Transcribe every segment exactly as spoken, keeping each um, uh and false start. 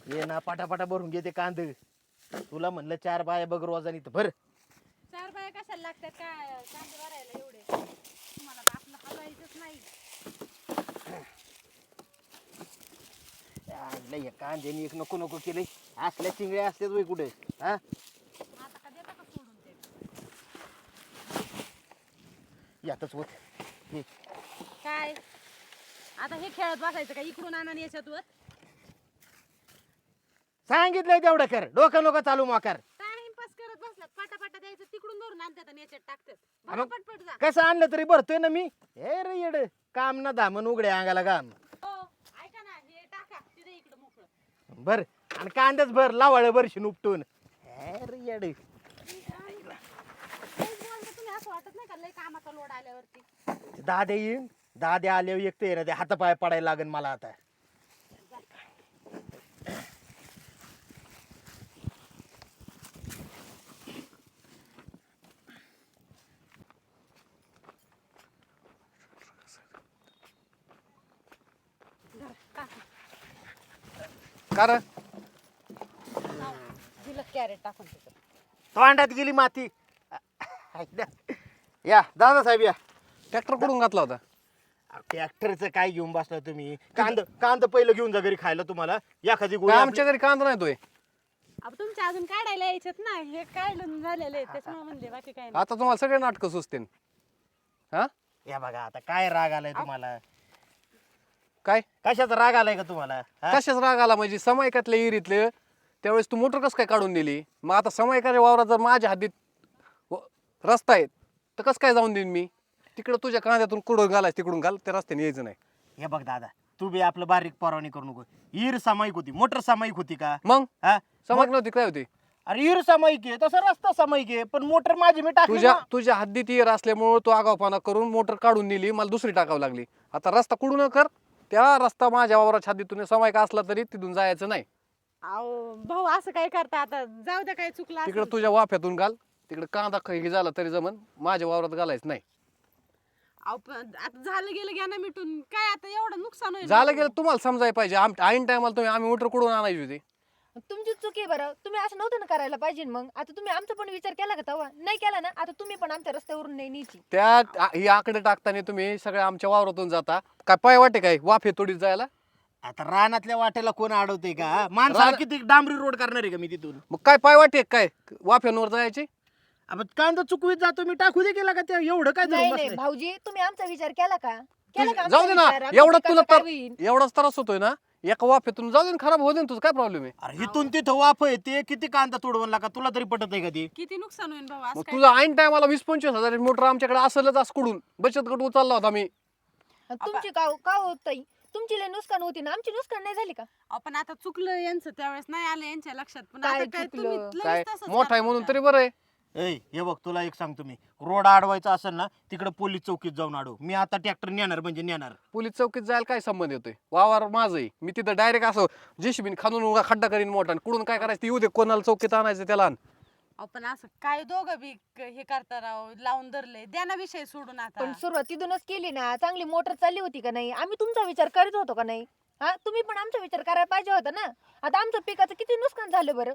ये ना पाटापाटा भरून घेते कांद. तुला म्हणलं चार बाया बघ रोजानी तर भर. चार बाया कशाला लागतात काय कांदे भरायला एवढे? तुम्हाला तर आपलं हलवायचंच नाही. लय कांद्यानी एक नको नको केले. असल्या चिंगड्या असतात वय कुठे हा? आता का देता का सोडून ते? यातच होत हे. काय आता हे खेळत बसायचं का इकडून आणून याच्यातवर? सांगितलंय तेवढं कर. डोकं नको चालू मोकार. टाइमपास करत बसलात. पाटापाटा द्यायचं तिकडून धरून आणतात आणि याच्यात टाकतात. मग भरा पटपट जा. कसं आणलं तरी भरतोय ना मी. हे रे येड काम ना धामन उघडे अंगाला काम. हो ऐका ना हे टाका तिथे इकडं मोकळं. बर आणि कांद्याच भर लावाळ बरशी उपटून. हे रे येड लयच बोलता तुम्ही, असं वाटत नाही का लय कामाचा लोड आल्यावरती? दादे येईन. दादे आल्यावर एक ते ना ते हातापाय पडायला लागेल मला आता. कार दिलं कॅरेट टाकून तिथं. तोंडात गेली माती. या दादा साहेब या. ट्रॅक्टर कुठून घातला होता? ट्रॅक्टरचं काय घेऊन बसला तुम्ही? कांद कांद पहिलं घेऊन जा घरी खायला तुम्हाला. एखादी गोळी काय आमच्या घरी कांदा नाही तोय. अब तुमच्या अजून काढायला यायच्यात ना, हे काढून झालेलं आहे त्याच्यामुळे म्हणले, बाकी काय नाही. आता तुम्हाला सगळे नाटकं सुचतील. हा आपली- या बघा आता काय राग आलाय तुम्हाला? काय कशाचा राग आलाय का तुम्हाला हा? कशाच राग आला म्हणजे समायकातल्या इरीतले त्यावेळेस तू मोटर कसं काय काढून दिली? मग आता समायकाच्या वावरात जर माझ्या हद्दीत व- रस्ता आहे तर कसं काय जाऊन देईन मी? तिकडं तुझ्या कांद्यातून कुठं घालायचं तिकडून घाल, त्या रस्त्याने यायचं नाही. हे बघ दादा, तू बी आपलं बारीक परवानी करू नको. ईर सामायिक होती, मोटर सामायिक होती का? मग हा समायक नव्हती काय होती? अरे ईर सामायिक आहे तसं रस्ता सामायिक आहे, पण मोटर माझी मी टाकली तुझ्या ना. तुझ्या हद्दीत इर असल्यामुळे तू आगावपणा करून मोटर काढून दिली, मला दुसरी टाकावं लागली. आता रस्ता कुठून कर, त्या रस्ता माझ्या वावराच्या हद्दीतून समायक असला तरी तिथून जायचं नाही. अहो भाऊ असं काय करता आता? जाऊ द्या, काय चुकलं तिकडे असेल. तुझ्या वाफ्यातून घाल, तिकडे कांदा काही झाला तरी जमन, माझ्या वावरात घालायचं नाही. अहो, पण आता झालं गेलं घ्या ना मिटून. काय आता एवढं नुकसान होईल? झालं गेलं तुम्हाला समजायला पाहिजे. आम ऐन टायमाला तुम्ही आम्ही मोटर कुठून आणायची होती? तुमची चुकी आहे बरं. तुम्ही असं नव्हतं ना करायला पाहिजे. मग आता तुम्ही आमचा पण विचार केला का तेव्हा? नाही केला ना. आता तुम्ही पण आमच्या रस्त्यावरून नाही न्यायची. त्या आ- ही आकडे टाकताना तुम्ही सगळ्या आमच्या वावरातून जाता काय? पाय वाटे काय वाफे तोडीत जायला? आता रानातल्या वाटेला कोण अडवते का? माणसाला रान- किती डांबरी रोड करणार आहे का मी तिथून? मग काय पाय वाटे काय वाफ्यांवर जायची? अब कांदा चुकवीत जातो मी, टाकू दे केला का ते? एवढं काय नाही धरून नाही बसलंय? भाऊजी, तुम्ही आमचा विचार केला का? केला का तुझी- जाऊ आमचा दे ना. विचार? आमच्या एवढंच पिकाचं तुला काय तर होईल? एवढाच त्रास होतोय ना, एका वाफेतून जाऊ दे ना, खराब होऊ दे ना, तुझं काय प्रॉब्लेम आहे? अरे इथून तिथं वाफ आहे ते किती कांदा तोडवला का? तुला तरी पटत आहे का ते? किती नुकसान होईल भाऊ? असं मग काय? तुझा ऐन टायमाला वीस पंचवीस हजार मोटर आमच्याकडे असलच असं कुडून बचत गट उचलला होता मी. तुमची का का होत ताई? तुमची लय नुकसान होती ना, आमची नुकसान नाही झाली का? आपण आता चुकलं यांचं, त्यावेळेस नाही आलं यांच्या लक्षात. पण काय आता काय चुकलं? तुम्ही लगेच काय तसंच मोठा आहे करता म्हणून का? तरी बरं आहे. ए हे बघ, तुला एक सांगतो मी, रोड अडवायचा असेल ना तिकडे पोलीस चौकीत जाऊन अडव. मी आता ट्रॅक्टर नेणार म्हणजे नेणार. पोलीस चौकीत जायला काय संबंध येतोय? वावर माझं आहे, मी तिथं डायरेक्ट असं जेसीबीन खाणून उगा खड्डा करीन मोठा, आणि कुठून काय करायचं ते येऊ दे, कोणाला चौकीत आणायचं त्याला आण. आपण असं काय दोघं बी क- हे करता राव, लावून धरले. द्या ना विषय सोडून आता. पण सुरुवात तिथूनच केली ना. चांगली मोटर चालली होती का नाही? आम्ही तुमचा विचार करीत होतो का नाही? हा, तुम्ही पण आमचा विचार करायला पाहिजे होता ना. आता आमच्या पिकाचं किती नुकसान झालं बरं.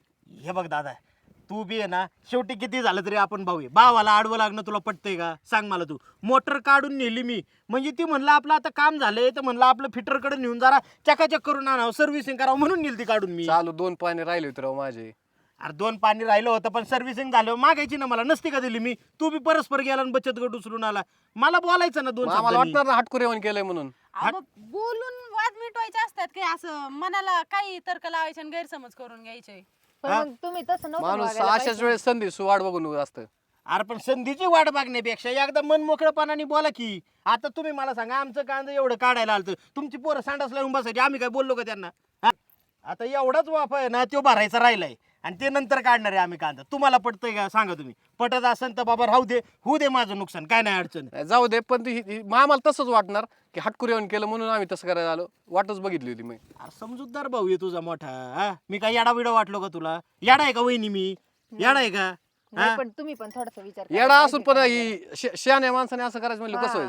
हे बघ दादा, तू बी आहे ना, शेवटी किती झालं तरी आपण भाऊ आहे. भावाला आडवं लागणं तुला पटतंय का? सांग मला. तू मोटर काढून नेली मी म्हणजे ती म्हणलं आपलं आता काम झालंय, तर म्हणलं आपलं फिटरकडे नेऊन जरा चकाचक करून आणावं, सर्व्हिसिंग करावं म्हणून नेली ती काढून मी. चालू दोन पाणी राहिले होते राव माझे. अरे दोन पाणी राहिलं होतं, पण सर्व्हिसिंग झालं मागायची ना मला, नसती का दिली मी? तू बी परस्पर गेला आणि बचत गट उचलून आला. मला बोलायचं ना दोन मग आम्हाला शब्दांनी. वाटणार ना हाटकुरे येऊन केलंय म्हणून. अहो, मग बोलून वाद मिटवायचे असतात काय? असं मनाला काही तर्क लावायचे आणि गैरसमज करून घ्यायचे. पण मग तुम्ही तसं नव्हतं माणूस वागायला अशाच पाहिजे. वेळेस संधी सुवाड बघून असतं. अरे पण संधीची वाट बघण्यापेक्षा एकदा मन मोकळेपणाने बोला की. आता तुम्ही मला सांगा, आमचं कांदा एवढं काढायला आलं, तुमची पोरं सांडास लावून बसायची, आम्ही काय बोललो का त्यांना? हा? आता एवढाच वाफ आहे ना, तो भरायचा राहिलाय आणि ते नंतर काढणार आहे आम्ही कांदा. तुम्हाला पटतंय का सांगा तुम्ही? पटत असेल तर बाबा राहू दे, होऊ दे माझं नुकसान, काय नाही अडचण. नाही, जाऊ दे, पण ती- ती- मग आम्हाला तसंच वाटणार की हाटकुरे येऊन केलं म्हणून आम्ही तसं करायला आलो. वाटच बघितली होती मी. अरे समजूतदार भाऊ आहे तुझा मोठा. हा? मी काय येडा विडा वाटलो का तुला? येडा आहे का वहिनी मी? येडा आहे का? नाही, हा? पण तुम्ही पण थोडासा विचार करायला येडा असून पण पाहिजे ही श- शहाण्या माणसाने असं करायचं म्हणलं कसं हा. व्हायचं?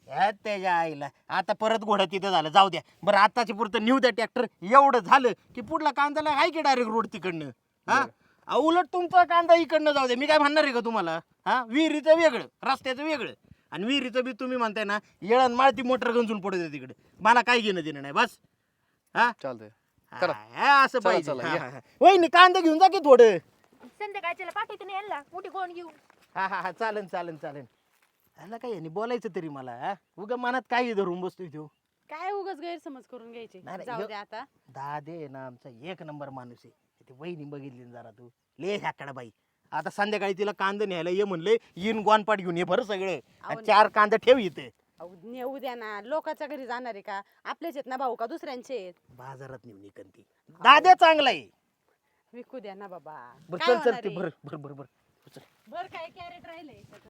ह्या त्याच्या आईला आता परत घोडा तिथं झालं, जाऊ द्या. बरं आताची पुरतं नेऊ द्या ट्रॅक्टर. एवढं झालं की पुढला कांद्याला आहे की डायरेक्ट रोड तिकडनं. हा अहो, उलट तुमचा कांदा इकडनं जाऊ द्या. मी काय म्हणणार आहे का तुम्हाला? हा विहिरीचं वेगळं, रस्त्याचं वेगळं. आणि विहिरीचं बी तुम्ही म्हणताय ना, येळण माळती मोटर गंजून पडू द्या तिकडे. मला काही घेणं देणं नाही बस. हा चालतंय करा. हा, असं चला, पाहिजे. चला, हा, या. हा, हा. वहिनी कांदा घेऊन जा की थोडं. संध्याकाळच्याला पाठवते ना यांना मोठी कोण घेऊ. हा हा हा चालन चालन चालन. ह्याला काय यांनी बोलायचं तरी मला? हा उगा मनात काही धरून बसतोय तो. काय उगाच गैरसमज करून घ्यायचे. नाही, नाही, जाऊ यो- दे आता. दादे आहे ना आमचा एक नंबर माणूस आहे. ती वहिनी बघितली ना जरा तू, ले ह्याकडे बाई. आता संध्याकाळी तिला कांदा न्यायला ये म्हणले, येईन गोनपाट घेऊन ये बरं सगळं. आणि चार कांदा ठेव इथे. अहो, नेऊ द्या ना, लोकांच्या घरी जाणार आहे का? आपलेच आहेत ना भाऊ का दुसऱ्यांचे आहेत? बाजारात नेऊन इकन ती. दाद्या चांगला आहे. विकू द्या ना बाबा. बरं काय चल चल होणार ते आहे? बरं बरं बरं बरं चल. बरं काय कॅरेट राहिले